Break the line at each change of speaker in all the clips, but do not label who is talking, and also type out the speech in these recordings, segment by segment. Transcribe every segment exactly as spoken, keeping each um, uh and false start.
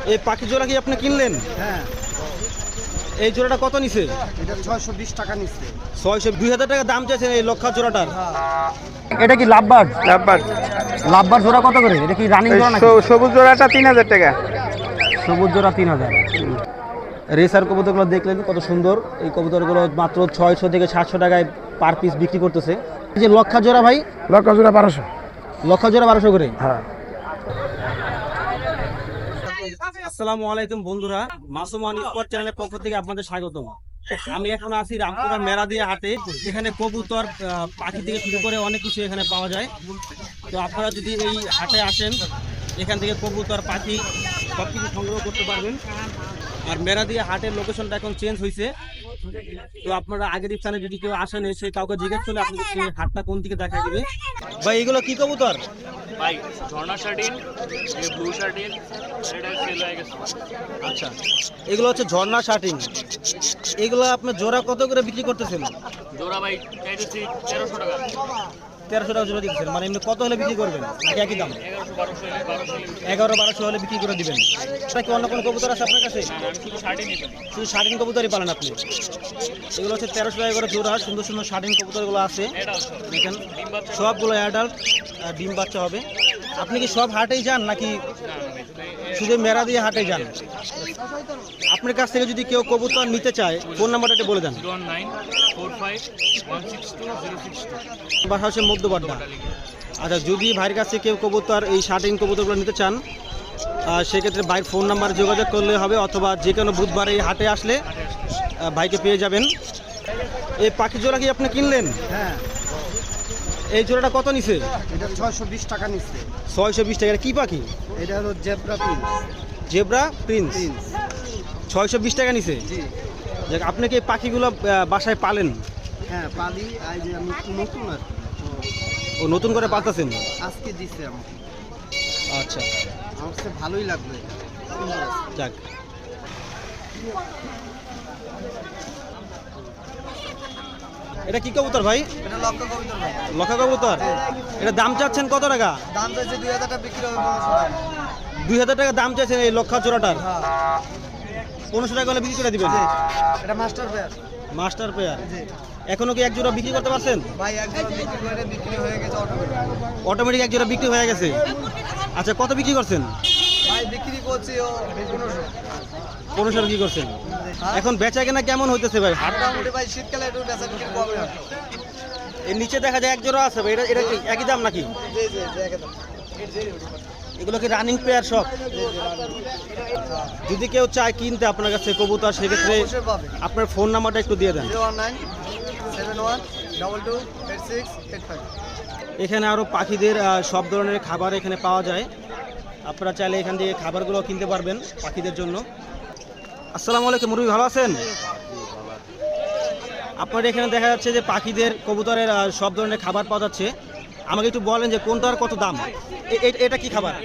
এই পাখি জোড়া কি আপনি কিনলেন?
হ্যাঁ।
এই জোড়াটা কত নিছে?
এটা ছয়শো বিশ টাকা নিচ্ছে।
ছয়শো দুই হাজার টাকা দাম চাইছেন এই লক্ষা জোড়াটার।
এটা কি লাভবার্ড?
লাভবার্ড।
লাভবার্ড জোড়া কত করে? এটা কি রানিং জোড়া নাকি?
সবুজ জোড়াটা তিন হাজার টাকা।
সবুজ জোড়া তিন হাজার।
রেসার কবুতরগুলো দেখলেন কত সুন্দর। এই কবুতরগুলো মাত্র ছয়শো থেকে সাতশো টাকায় পার পিস বিক্রি করতেছে। এই যে লক্ষা জোড়া ভাই,
লক্ষা জোড়া বারোশো।
লক্ষা জোড়া বারোশো করে।
হ্যাঁ।
আসসালামু আলাইকুম বন্ধুরা, মাসুমান স্পট চ্যানেলের পক্ষ থেকে আপনাদের স্বাগতম। আমি এখন আছি রামপুরা মেরাদিয়া হাটে। এখানে কবুতর, পাখি থেকে শুরু করে অনেক কিছু এখানে পাওয়া যায়। তো আপনারা যদি এই হাটে আসেন, এখান থেকে কবুতর, পাখি সব কিছু সংগ্রহ করতে পারবেন। আর মেরাদিয়া হাটের লোকেশনটা এখন চেঞ্জ হয়েছে। তো আপনারা আগের স্থানে যদি কেউ আসেন, এসে কাউকে জিজ্ঞেস করলে আপনাদেরকে হাটটা কোন দিকে দেখা দিবে। ভাই এগুলো কি কবুতর?
ভাই ঝর্ণা শার্টিন, এই ব্লু শার্টিন, এটা সেল হয়ে গেছে।
আচ্ছা, এগুলো হচ্ছে ঝর্ণা শার্টিং। এগুলো আপনার জোড়া কত করে বিক্রি করতেছেন?
জোড়া ভাই চাইতেছি তেরোশো টাকা।
তেরোশো টাকা জোড়া দিচ্ছেন, মানে এমনি কত হলে বিক্রি করবেন? নাকি একই দাম?
এগারোশো বারোশো বারোশো
এগারো বারোশো হলে বিক্রি করে দিবেন। এটা কি অন্য কোনো কবুতর আছে আপনার কাছে?
আমি শুধু শার্টিন নিতাম।
শুধু শার্টিং কবুতরই পালেন আপনি? এগুলো হচ্ছে তেরোশো টাকা করে জোড়া। সুন্দর সুন্দর শার্টিং কবুতরগুলো আছে দেখেন, সবগুলো অ্যাডাল্ট, ডিম বাচ্চা হবে। আপনি কি সব হাটেই যান নাকি শুধু মেরাদিয়া হাটে যান? আপনার কাছ থেকে যদি কেউ কবুতর নিতে চায়, ফোন নাম্বারটা একটু বলে দেন।
One nine four five one six two zero six two.
বাসা হচ্ছে মধ্যবাড্ডা। আচ্ছা, যদি ভাইয়ের কাছে কেউ কবুতর, এই শার্টিং কবুতরগুলো নিতে চান, সেক্ষেত্রে ভাইয়ের ফোন নাম্বার যোগাযোগ করলে হবে, অথবা যে কোনো বুধবার এই হাটে আসলে ভাইকে পেয়ে যাবেন। এই পাখি জোড়া কি আপনি কিনলেন?
হ্যাঁ।
এই জোড়াটা কত নিছে?
এটা ছয়শো বিশ টাকা নিচ্ছে।
ছয়শো বিশ টাকা। কি পাখি?
এটা হলো zebra prince.
Zebra prince.
Prince.
ছয়শো বিশ টাকা নিছে।
জি।
দেখ, আপনি কি এই পাখিগুলো বাসায় পালেন?
হ্যাঁ, পালি। আজ আমি নতুন আর কি।
ও নতুন করে পালতেছেন?
আজকে দিচ্ছে আমাকে।
আচ্ছা,
আমার কাছে ভালোই লাগলো এটা। সুন্দর আছে।
যাক। এটা কি কবুতর ভাই?
এটা লক্ষা কবিতর ভাই।
লক্ষা কবুতর। এটা দাম চাচ্ছেন কত টাকা?
দাম চাইছে দুই হাজার টাকা, বিক্রি হবে পনেরোশো টাকা।
দুই হাজার টাকা দাম চাইছেন এই লক্ষা জোড়াটার?
হ্যাঁ।
পনেরোশো টাকা হলে বিক্রি করে দিবেন?
জি। এটা মাস্টার পেয়ার।
Master pair.
জি।
এখনো কি এক জোড়া বিক্রি করতে পারছেন?
ভাই একজন বিক্রি করে বিক্রি হয়ে গেছে অটোমেটিক।
অটোমেটিক এক জোড়া বিক্রি হয়ে গেছে। আচ্ছা, কত বিক্রি করছেন?
ভাই বিক্রি করছি ও পনেরোশো।
পনেরোশো বিক্রি করছেন। এখন বেচা কেনা কেমন হইতেছে ভাই?
মোটামুটি ভাই শীতকালে একটু বেচা বিক্রি কমে হয়।
এর নিচে দেখা যায় এক জোড়া আছে ভাই, এটা এটা কি একই দাম নাকি?
জি জি জি একদম।
এগুলো কি রানিং পেয়ার সব? যদি কেউ চায় কিনতে আপনার কাছে কবুতর, সেক্ষেত্রে
অবশ্যই পাবে।
আপনার ফোন নাম্বারটা একটু দিয়ে দেন।
Zero one nine seven one double two eight six eight five.
এখানে আরও পাখিদের আহ, সব ধরনের খাবার এখানে পাওয়া যায়। আপনারা চাইলে এখান থেকে খাবারগুলো কিনতে পারবেন পাখিদের জন্য। আসসালামু আলাইকুম মুরব্বি, ভালো আছেন? আপনার এখানে দেখা যাচ্ছে যে পাখিদের, কবুতরের আহ, সব ধরনের খাবার পাওয়া যাচ্ছে। আমাকে একটু বলেন যে কোনটার কত দাম? এ- এ- এটা কি খাবার?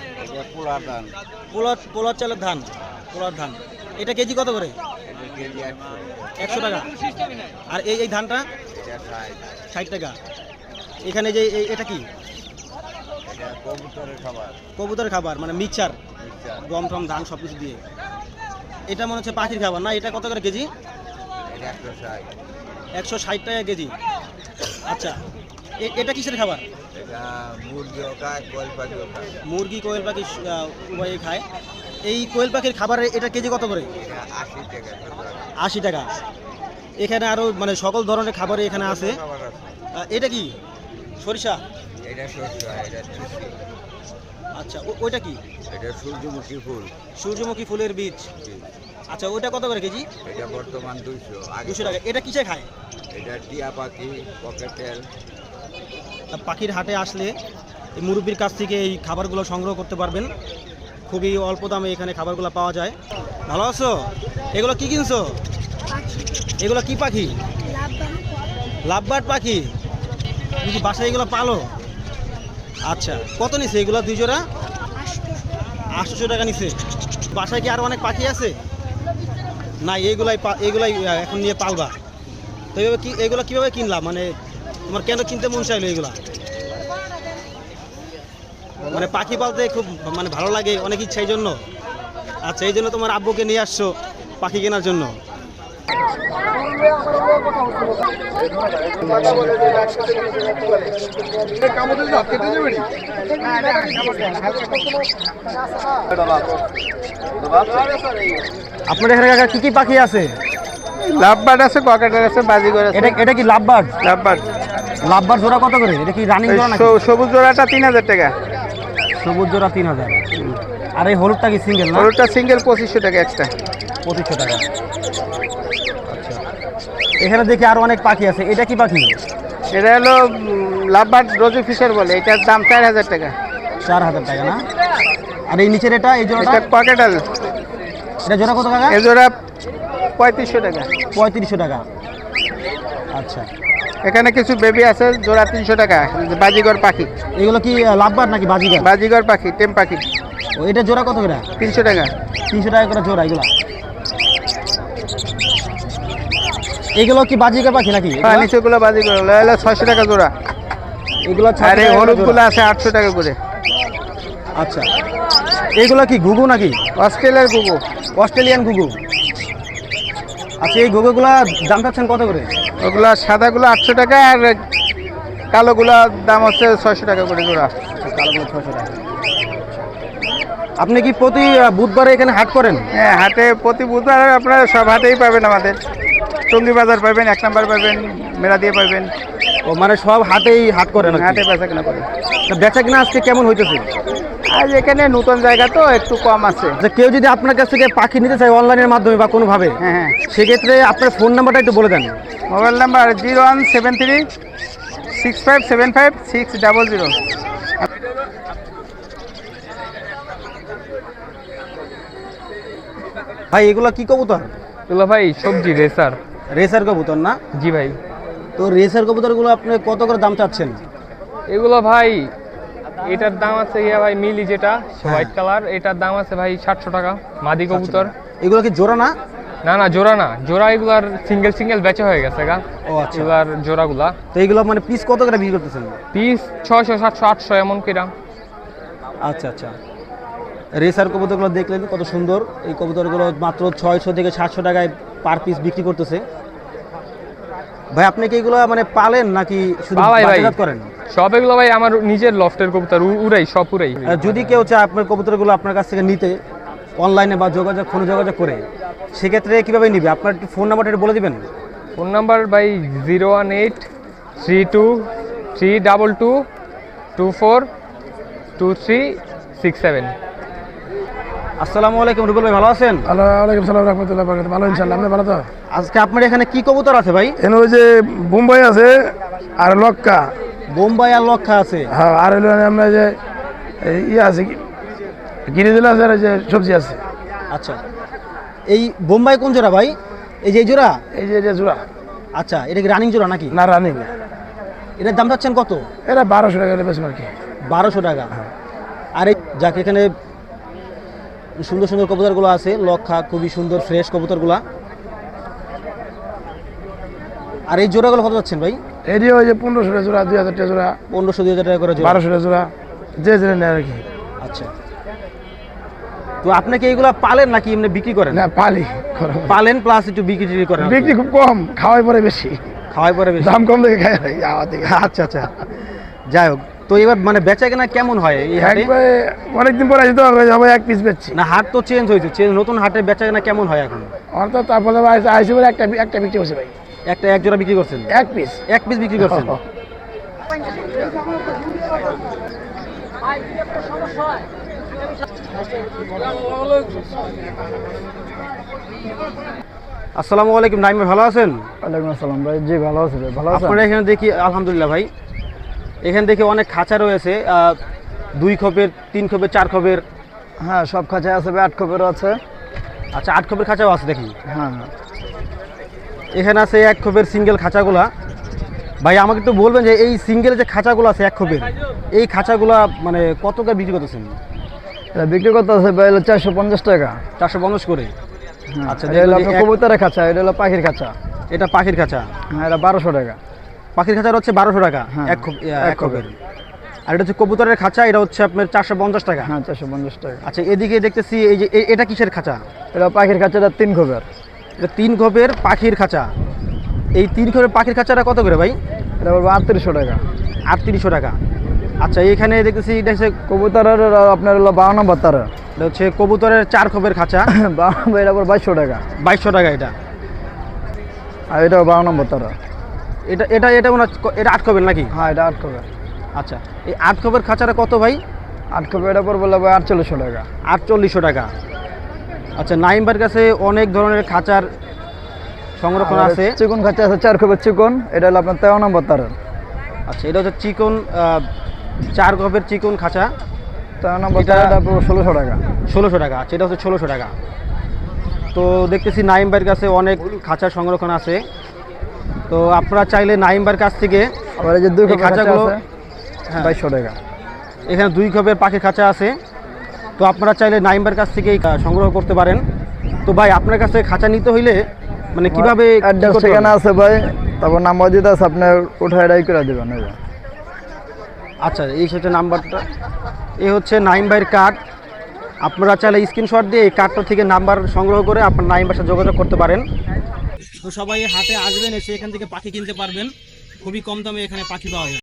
পোলার পোলার চালের ধান। পোলার ধান। এটা কেজি কত করে? একশো টাকা। আর এই এই ধানটা ষাট টাকা। এখানে যে এই- এটা কি? কবুতরের খাবার, মানে মিক্সচার, গম টম ধান সব কিছু দিয়ে। এটা মনে হচ্ছে পাখির খাবার না? এটা কত করে কেজি? একশো ষাট টাকা কেজি। আচ্ছা, এ- এটা কিসের খাবার? মুরগি, কোয়েল পাখি আহ, উভয়ে খায়। এই কোয়েল পাখির খাবারের এটা কেজি কত করে? আশি টাকা। এখানে আরও মানে সকল ধরনের খাবারই এখানে আছে। আহ, এটা কি সরিষা? আচ্ছা, ও- ওইটা কি?
এটা সূর্যমুখী ফুল।
সূর্যমুখী ফুলের বীজ। আচ্ছা, ওটা কত করে কেজি?
এটা বর্তমান দুইশো।
দুশো টাকা। এটা কিসে খায়?
এটা টিয়া পাখি, পকেটেল।
পাখির হাটে আসলে এই মুরব্বির কাছ থেকে এই খাবারগুলো সংগ্রহ করতে পারবেন। খুবই অল্প দামে এখানে খাবারগুলো পাওয়া যায়। ভালো আছো? এগুলো কি কিনছো? এগুলো কি পাখি? লাভবার্ড পাখি। তুমি কি বাসায় এগুলো পালো? আচ্ছা, কত নিছে এগুলো দুই জোড়া? আটশোশো টাকা নিছে। বাসায় কি আরও অনেক পাখি আছে? না, এইগুলাই পা- এইগুলাই আহ, এখন নিয়ে পালবা। তো এইভাবে কি, এগুলো কীভাবে কিনলাম? মানে তোমার কেন কিনতে মন চাইলো এগুলা? মানে পাখি পালতে খুব মানে ভালো লাগে, অনেক ইচ্ছা, এই জন্য। আচ্ছা, এই জন্য তোমার আব্বুকে নিয়ে আসছো পাখি কেনার জন্য।
আপনার এখানে কাকা কি কি পাখি আছে?
লাভবার্ড আছে, ককেটেল আছে, বাজিগর আছে।
এটা এটা কি লাভবার্ড?
লাভবার্ড
লাভবার্ড জোড়া কত করে? এটা কি রানিং জোড়া নাকি?
সবুজ জোড়াটা তিন হাজার টাকা,
সবুজ জোড়া তিন হাজার। আর এই হলুদটা কি সিঙ্গেল না?
হলুদটা সিঙ্গেল পঁচিশশো টাকা এক্সট্রা।
পঁচিশশো টাকা। আচ্ছা, এখানে দেখি আরো অনেক পাখি আছে। এটা কি পাখি?
এটা হলো লাভবার্ড রোজি ফিশার বলে, এটার দাম চার হাজার টাকা।
চার হাজার টাকা না? আর এই নিচের এটা, এই জোড়াটা?
এটা ককেটেল,
এটা জোড়া কত টাকা?
এই জোড়া পঁয়ত্রিশশো টাকা।
পঁয়ত্রিশশো টাকা। আচ্ছা,
এখানে কিছু বেবি আছে, জোড়া তিনশো টাকা, বাজিগর পাখি।
এগুলো কি লাভবার্ড নাকি বাজিগার?
বাজিগর পাখি, টেম পাখি।
ও, এটা জোড়া কত করে?
তিনশো টাকা।
তিনশো টাকা করে জোড়া এগুলো। এগুলো কি বাজিগার পাখি নাকি?
হ্যাঁ, নিচেগুলো বাজিগর, হলো ছয়শো টাকা জোড়া।
এগুলো
আর এই হলুদগুলো আছে আটশো টাকা করে।
আচ্ছা, এগুলো কি ঘুঘু নাকি?
অস্ট্রেলিয়ার গুগু।
অস্ট্রেলিয়ান ঘুঘু। আচ্ছা, এই ঘুঘুগুলা দাম চাচ্ছেন কত করে?
ওগুলা সাদাগুলো আটশো টাকা, আর কালোগুলোর দাম হচ্ছে ছয়শো টাকা করে জোড়া।
কালোগুলো ছশো টাকা। আপনি কি প্রতি আহ, বুধবারে এখানে হাট করেন?
হ্যাঁ, হাটে প্রতি বুধবার আপনারা সব হাটেই পাবেন আমাদের। টঙ্গী বাজার পাবেন, এক নাম্বার পাবেন, মেলা দিয়ে পাবেন।
ও, মানে সব হাটেই হাট করেন আর কি?
হাটে বেচা কেনা করেন।
তা বেচা কিনা আজকে কেমন হইতেছে?
আজ এখানে নতুন জায়গা তো একটু কম আছে।
আচ্ছা, কেউ যদি আপনার কাছ থেকে পাখি নিতে চায় অনলাইনের মাধ্যমে বা কোনোভাবে,
হ্যাঁ হ্যাঁ,
সেক্ষেত্রে আপনার ফোন নাম্বারটা একটু বলে দেন।
Mobile number zero one seven three six five seven five six double zero.
ভাই, এগুলো কি কবুতর?
এগুলো ভাই সবজি রেসার।
রেসার কবুতর না?
জি ভাই।
তো রেসার কবুতরগুলো আপনি কত করে দাম চাচ্ছেন?
এগুলো ভাই এটার দাম আছে ইয়া ভাই মিলি, যেটা হোয়াইট কালার, এটার দাম আছে ভাই সাতশো টাকা মাদি কবুতর।
এগুলো কি জোড়া না?
না না, জোড়া না, জোড়া এগুলার সিঙ্গেল সিঙ্গেল বেচা হয়ে গেছে গা।
ও আচ্ছা।
এগুলার জোড়াগুলা
তো এগুলো মানে পিস কত করে বিক্রি করতেছেন?
পিস ছয়শো সাতশো আটশো এমন কিরা।
আচ্ছা আচ্ছা। রেসার কবুতরগুলো দেখলেন কত সুন্দর। এই কবুতরগুলো মাত্র ছয়শো থেকে সাতশো টাকায় পার পিস বিক্রি করতেছে। ভাই, আপনি কি এগুলো মানে পালেন নাকি শুধু
পালাই ভাই,
বাজারজাত করেন?
সব এগুলো ভাই আমার নিজের লফটের কবুতর, উ- উড়াই সব উড়াই।
আর যদি কেউ চায় আপনার কবুতরগুলো আপনার কাছ থেকে নিতে অনলাইনে বা যোগাযোগ ফোনে যোগাযোগ করে, সেক্ষেত্রে কীভাবে নিবে? আপনার একটু ফোন নাম্বারটা একটু বলে দিবেন।
ফোন নাম্বার ভাই zero one eight three two three double two two four two three six seven.
আসসালামু আলাইকুম, রুবেল ভাই, ভালো আছেন?
ওয়ালাইকুম সালাম রহমতুল্লাহ বরকাত। ভালো ইনশাল্লাহ, আপনি ভালো তো?
আজকে আপনার এখানে কি কবুতর আছে ভাই?
এখানে ওই যে বোম্বাই আছে আর লক্কা।
বোম্বাই আর লক্ষা আছে।
হ্যাঁ, আর হলো আমরা যে এই ইয়ে আছে গিরিজল আছে, আর এই যে সবজি আছে।
আচ্ছা, এই বোম্বাই কোন জোড়া ভাই? এই যে এই জোড়া?
এই যে যে জোড়া।
আচ্ছা, এটা কি রানিং জোড়া নাকি?
না, রানিং না।
এটার দাম চাচ্ছেন কত?
এটা বারোশো টাকা বেশি আর কি।
বারোশো টাকা। আর এই যাকে এখানে সুন্দর সুন্দর কবুতরগুলো আছে, লক্ষা, খুবই সুন্দর ফ্রেশ কবুতরগুলা। আর এই জোড়াগুলো কত যাচ্ছেন ভাই?
এটি ওই যে পনেরোশো টাকা জোড়া, দুই হাজার টাকা জোড়া,
পনেরোশো দুই হাজার টাকা করে জোড়া।
বারোশো টাকা জোড়া, যে যে নেয় আর কি।
আচ্ছা, তো আপনি কি এইগুলা পালেন নাকি এমনি বিক্রি করেন?
না, পালি
পালেন প্লাস একটু বিক্রি টিক্রি করেন?
বিক্রি খুব কম, খাওয়াই পরে বেশি,
খাওয়াই পরে বেশি।
দাম কম দেখে খাই আমার থেকে।
আচ্ছা আচ্ছা, যাই হোক, তো এবার মানে বেচা কেনা কেমন হয় এই হাটে?
একবারে অনেকদিন পরে আসি তো, সবাই এক পিস বেচছি।
না, হাট তো চেঞ্জ হয়েছে, চেঞ্জ, নতুন হাটে বেচা কেনা কেমন হয় এখন?
আমার তো তারপরে আইসি বলে একটা একটা বিক্রি করছে ভাই।
একটা এক জোড়া বিক্রি করছেন?
এক পিস
এক পিস বিক্রি করছেন? আসসালামু আলাইকুম, নাইম ভাই, ভালো আছেন?
ওয়ালাইকুম আসসালাম ভাই। জি ভালো আছি ভাই, ভালো আছেন?
আপনারা এখানে দেখি আলহামদুলিল্লাহ ভাই, এখানে দেখি অনেক খাঁচা রয়েছে, আহ, দুই খোপের, তিন খোপের, চার খোপের।
হ্যাঁ, সব খাঁচায় আছে ভাই, আট খোপেরও আছে।
আচ্ছা, আট খোপের খাঁচাও আছে দেখি।
হ্যাঁ,
এখানে আছে এক খোপের সিঙ্গেল খাঁচাগুলা। ভাই, আমাকে একটু বলবেন যে এই সিঙ্গেল যে খাঁচাগুলো আছে এক খোপের, এই খাঁচাগুলা মানে কত করে বিক্রি করতেছেন?
এটা বিক্রি করতে আছে ভাই হলো চারশো পঞ্চাশ টাকা।
চারশো পঞ্চাশ করে?
আচ্ছা, এটা হলো আপনার কবুতরের খাঁচা, এটা হলো পাখির খাঁচা।
এটা পাখির খাঁচা?
হ্যাঁ, এটা বারোশো টাকা।
পাখির খাঁচার হচ্ছে বারোশো টাকা
হ্যাঁ,
এক খোপ,
এক
এক খোপের। আর এটা হচ্ছে কবুতরের খাঁচা, এটা হচ্ছে আপনার চারশো পঞ্চাশ টাকা।
হ্যাঁ চারশো পঞ্চাশ টাকা।
আচ্ছা, এদিকে দেখতেছি এই যে এ- এটা কিসের খাঁচা?
এটা পাখির কাছে তিন খোপের।
এটা তিন খোপের পাখির খাঁচা। এই তিন খোপের পাখির খাঁচাটা কত করে ভাই?
এটা বলবো আটত্রিশশো টাকা।
আটত্রিশশো টাকা। আচ্ছা, এখানে দেখতেছি এটা হচ্ছে
কবুতরের আপনার হলো বারো নম্বর তারা।
এটা হচ্ছে কবুতরের চার খোপের খাঁচা,
বারো নম্বর এটা পড়বে বাইশশো টাকা।
বাইশশো টাকা এটা।
আর এটাও বারো নম্বর তারা।
এটা এটা এটা মনে হচ্ছে এটা আট খোপের নাকি?
হ্যাঁ এটা আট খোপের।
আচ্ছা, এই আট খোপের খাঁচাটা কত ভাই?
আট খোপের এটা পড়বে হলো আটচল্লিশশো টাকা।
আটচল্লিশশো টাকা। আচ্ছা, নাইমবার কাছে অনেক ধরনের খাঁচার সংরক্ষণ
আর
আছে।
চিকন খাঁচা আছে চার খোপের চিকন, এটা হলো আপনার তেরো নম্বর তারা।
আচ্ছা, এটা হচ্ছে চিকন আহ, চার খোপের চিকন খাঁচা,
তেরো নম্বর
এটা-
তারা, এটা পড়বে ষোলোশো টাকা।
ষোলোশো টাকা। আচ্ছা, এটা হচ্ছে ষোলোশো টাকা। তো দেখতেছি নাইমবার কাছে অনেক খাঁচার সংরক্ষণ আছে। তো আপনারা চাইলে নাইমবার কাছ থেকে
আবার এই যে দুই
এই
খোপের খাঁচা
খাঁচাগুলো-
আছে
হ্যাঁ,
বাইশশো টাকা।
এখানে দুই খোপের পাখির খাঁচা আছে। তো আপনারা চাইলে নাইমবার কাছ থেকেই আহ, সংগ্রহ করতে পারেন। তো ভাই, আপনার কাছে খাঁচা নিতে হইলে মানে কিভাবে কি
অ্যাড্রেস
করতে
ঠিকানা
হবে?
আছে ভাই, তারপর নাম্বার দিতে আছে, আপনার উঠায় এটাই করে দেবেন। এই যে।
আচ্ছা, এই হচ্ছে নাম্বারটা, এই হচ্ছে নাইম ভাইয়ের কার্ড। আপনারা চাইলে স্ক্রিনশট দিয়ে এই কার্ডটা থেকে নাম্বার সংগ্রহ করে আপনার নাইম ভাইয়ের সাথে যোগাযোগ করতে পারেন। তো সবাই হাটে আসবেন, এসে এখান থেকে পাখি কিনতে পারবেন। খুবই কম দামে এখানে পাখি পাওয়া যায়।